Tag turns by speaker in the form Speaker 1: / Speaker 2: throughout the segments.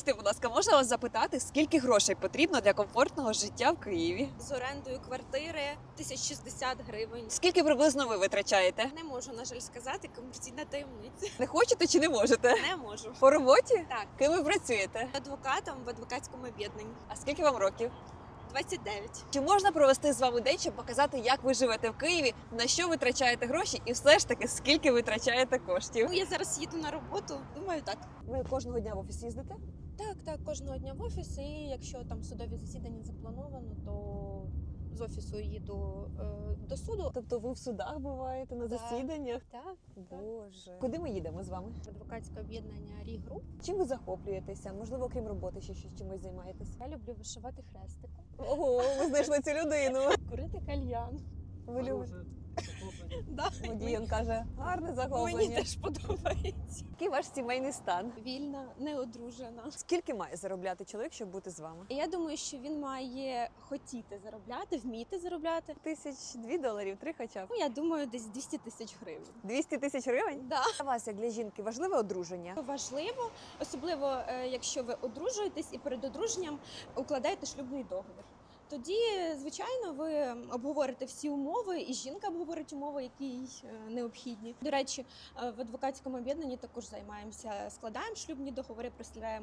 Speaker 1: Скажіть, будь ласка, можна вас запитати, скільки грошей потрібно для комфортного життя в Києві?
Speaker 2: З орендою квартири 1060 гривень.
Speaker 1: Скільки приблизно ви витрачаєте?
Speaker 2: Не можу, на жаль, сказати, комерційна таємниця.
Speaker 1: Не хочете чи не можете?
Speaker 2: Не можу.
Speaker 1: По роботі?
Speaker 2: Так,
Speaker 1: Ким ви працюєте?
Speaker 2: адвокатом в адвокатському об'єднанні.
Speaker 1: А скільки вам років?
Speaker 2: 29.
Speaker 1: Чи можна провести з вами день, щоб показати, як ви живете в Києві, на що витрачаєте гроші і все ж таки, скільки витрачаєте коштів?
Speaker 2: Ну, я зараз їду на роботу, думаю, так.
Speaker 1: Ви кожного дня в офіс їздите?
Speaker 2: Так, кожного дня в офіс, і якщо там судові засідання заплановано, то з офісу їду до суду.
Speaker 1: Тобто ви в судах буваєте, на
Speaker 2: Так.
Speaker 1: засіданнях?
Speaker 2: Так,
Speaker 1: Боже. Куди ми їдемо з вами?
Speaker 2: адвокатське об'єднання Рі Груп.
Speaker 1: Чим ви захоплюєтеся? Можливо, окрім роботи, ще щось чимось займаєтесь?
Speaker 2: Я люблю вишивати хрестиком,
Speaker 1: Ого, ви знайшли цю людину.
Speaker 2: курити кальян.
Speaker 1: Ви любите?
Speaker 2: Да.
Speaker 1: Водій, він каже, гарне
Speaker 2: Мені
Speaker 1: захоплення.
Speaker 2: теж подобається.
Speaker 1: Який ваш сімейний стан?
Speaker 2: Вільна, не одружена.
Speaker 1: Скільки має заробляти чоловік, щоб бути з вами?
Speaker 2: Я думаю, що він має хотіти заробляти, вміти заробляти.
Speaker 1: $2 3 хоча б.
Speaker 2: Ну, я думаю, десь 200 тисяч гривень.
Speaker 1: 200 тисяч гривень?
Speaker 2: Да.
Speaker 1: Для вас, як для жінки, важливе одруження?
Speaker 2: Важливо, особливо якщо ви одружуєтесь і перед одруженням укладаєте шлюбний договір. Тоді, звичайно, ви обговорите всі умови, і жінка обговорить умови, які їй необхідні. До речі, в адвокатському об'єднанні також займаємося, складаємо шлюбні договори, представляємо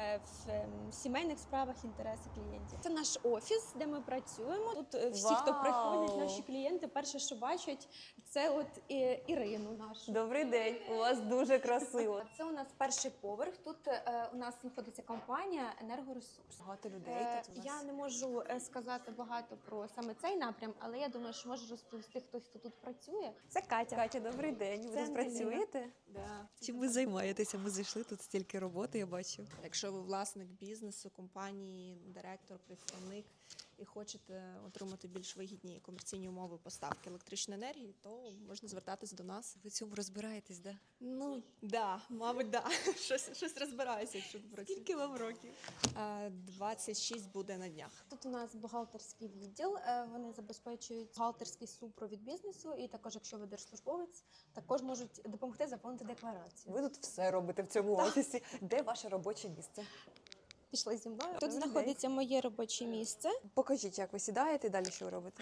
Speaker 2: в сімейних справах інтереси клієнтів. Це наш офіс, де ми працюємо. Тут всі, хто
Speaker 1: Вау!
Speaker 2: приходять, наші клієнти, перше, що бачать, це от Ірину нашу.
Speaker 1: Добрий день, у вас дуже красиво.
Speaker 2: Це у нас перший поверх. Тут у нас знаходиться компанія «Енергоресурс».
Speaker 1: Багато людей тут у вас.
Speaker 2: Я не можу сказати багато про саме цей напрям, але я думаю, що можу розповісти хтось, хто тут працює. Це Катя.
Speaker 1: Катя, добрий день. Ви
Speaker 2: Це
Speaker 1: тут
Speaker 2: Ангеліна.
Speaker 1: працюєте?
Speaker 2: Да.
Speaker 1: Чим ви займаєтеся? Ми зайшли, тут стільки роботи, я бачу.
Speaker 3: Якщо ви власник бізнесу, компанії, директор, представник і хочете отримати більш вигідні комерційні умови поставки електричної енергії, то можна звертатись до нас.
Speaker 1: Ви в цьому розбираєтесь, да?
Speaker 3: Ну, да, мабуть, да. Щось розбираюся, якщо працює.
Speaker 1: Скільки вам років?
Speaker 3: 26 буде на днях.
Speaker 2: Тут у нас бухгалтерський відділ. Вони забезпечують бухгалтерський супровід бізнесу. І також, якщо ви держслужбовець, також можуть допомогти заповнити декларацію.
Speaker 1: Ви тут все робите в цьому офісі. Де ваше робоче місце?
Speaker 2: Пішли зі мною. Тут
Speaker 1: Добрий
Speaker 2: знаходиться моє робоче місце.
Speaker 1: Покажіть, як ви сідаєте і далі що ви робите.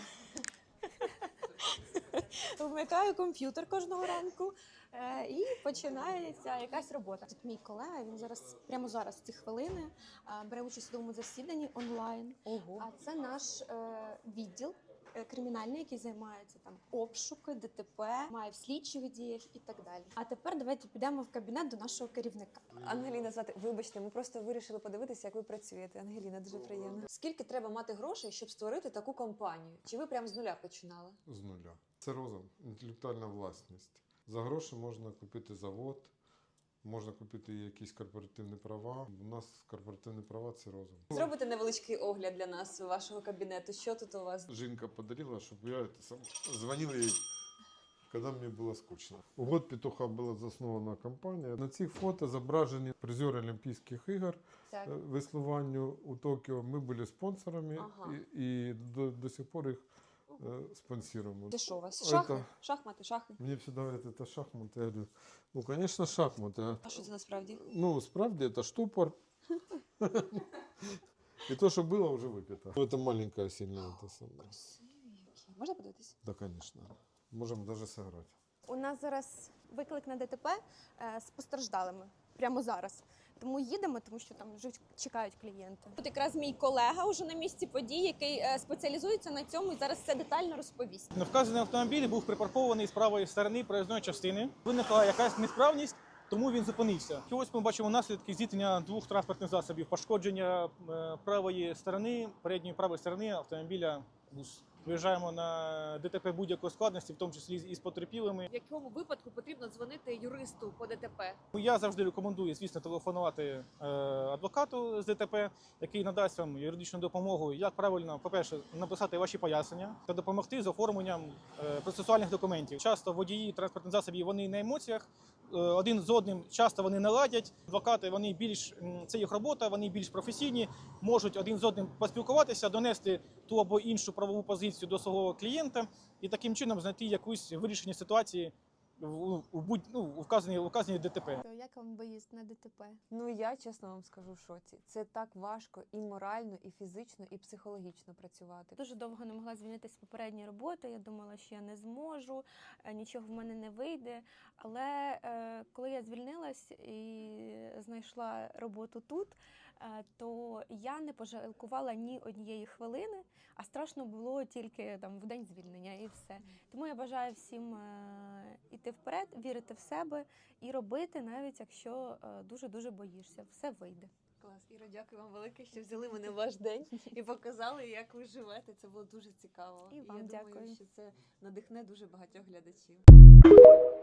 Speaker 2: Вмикаю комп'ютер кожного ранку і починається якась робота. Тут мій колега, він прямо зараз, в ці хвилини, бере участь у судовому засіданні онлайн.
Speaker 1: Ого.
Speaker 2: А це наш відділ кримінальний, який займається там обшуки, ДТП, має в слідчих діях і так далі. А тепер давайте підемо в кабінет до нашого керівника.
Speaker 1: Ангеліна звати, вибачте, ми просто вирішили подивитися, як ви працюєте. Ангеліна, дуже приємно. Скільки треба мати грошей, щоб створити таку компанію? Чи ви прямо з нуля починали?
Speaker 4: З нуля. Це розум, інтелектуальна власність. За гроші можна купити завод, можна купити якісь корпоративні права. У нас корпоративні права – це розум.
Speaker 1: Зробите невеличкий огляд для нас вашого кабінету. Що тут у вас?
Speaker 4: Жінка подарила, щоб я дзвонив їй, коли мені було скучно. У год петуха була заснована компанія. На цих фото зображені призери Олімпійських ігор
Speaker 2: Так.
Speaker 4: веслуванню у Токіо. Ми були спонсорами
Speaker 1: Ага.
Speaker 4: і до сих пор їх спонсируємо.
Speaker 1: Це що у вас? Шахи?
Speaker 4: Это-
Speaker 1: Шахмати, шахи.
Speaker 4: Мне всегда говорят, это шахматы. Я говорю, ну, конечно, шахматы.
Speaker 1: А що це насправді?
Speaker 4: Ну, справді, это штупор. И то, что было, уже выпито. Ну, это маленькая сильная. Это самое.
Speaker 1: Можна подивитись?
Speaker 4: Да, конечно. Можем даже сыграть.
Speaker 2: У нас зараз виклик на ДТП з постраждалими прямо зараз. Тому їдемо, тому що там вже чекають клієнти. Тут якраз мій колега уже на місці подій, який спеціалізується на цьому і зараз все детально розповість.
Speaker 5: Невказаний автомобіль був припаркований з правої сторони проїзної частини. Виникла якась несправність, тому він зупинився. І ось ми бачимо наслідки зіткнення двох транспортних засобів. Пошкодження правої сторони, передньої правої сторони автомобіля. Виїжджаємо на ДТП будь-якої складності, в тому числі і з потерпілими.
Speaker 1: В якому випадку потрібно дзвонити юристу по ДТП?
Speaker 5: Я завжди рекомендую, звісно, телефонувати адвокату з ДТП, який надасть вам юридичну допомогу, як правильно, по-перше, написати ваші пояснення та допомогти з оформленням процесуальних документів. Часто водії транспортних засобів, вони на емоціях, один з одним часто вони не ладять. Адвокати, вони більш, це їх робота, вони більш професійні, можуть один з одним поспілкуватися, донести ту або іншу правову позицію до свого клієнта і таким чином знайти якусь вирішення ситуації у вказані ДТП.
Speaker 6: То як вам виїзд на ДТП?
Speaker 1: Ну я чесно вам скажу в шоці. Це так важко і морально, і фізично, і психологічно працювати.
Speaker 2: Дуже довго не могла звільнитися з попередньої роботи. Я думала, що я не зможу, нічого в мене не вийде. Але коли я звільнилась і знайшла роботу тут, то я не пожалкувала ні однієї хвилини, а страшно було тільки там в день звільнення і все. Тому я бажаю всім іти вперед, вірити в себе і робити, навіть якщо дуже-дуже боїшся. Все вийде.
Speaker 1: Клас, Іра, дякую вам велике, що взяли мене в ваш день і показали, як ви живете. Це було дуже цікаво.
Speaker 2: І вам
Speaker 1: я
Speaker 2: дякую.
Speaker 1: думаю, що це надихне дуже багатьох глядачів.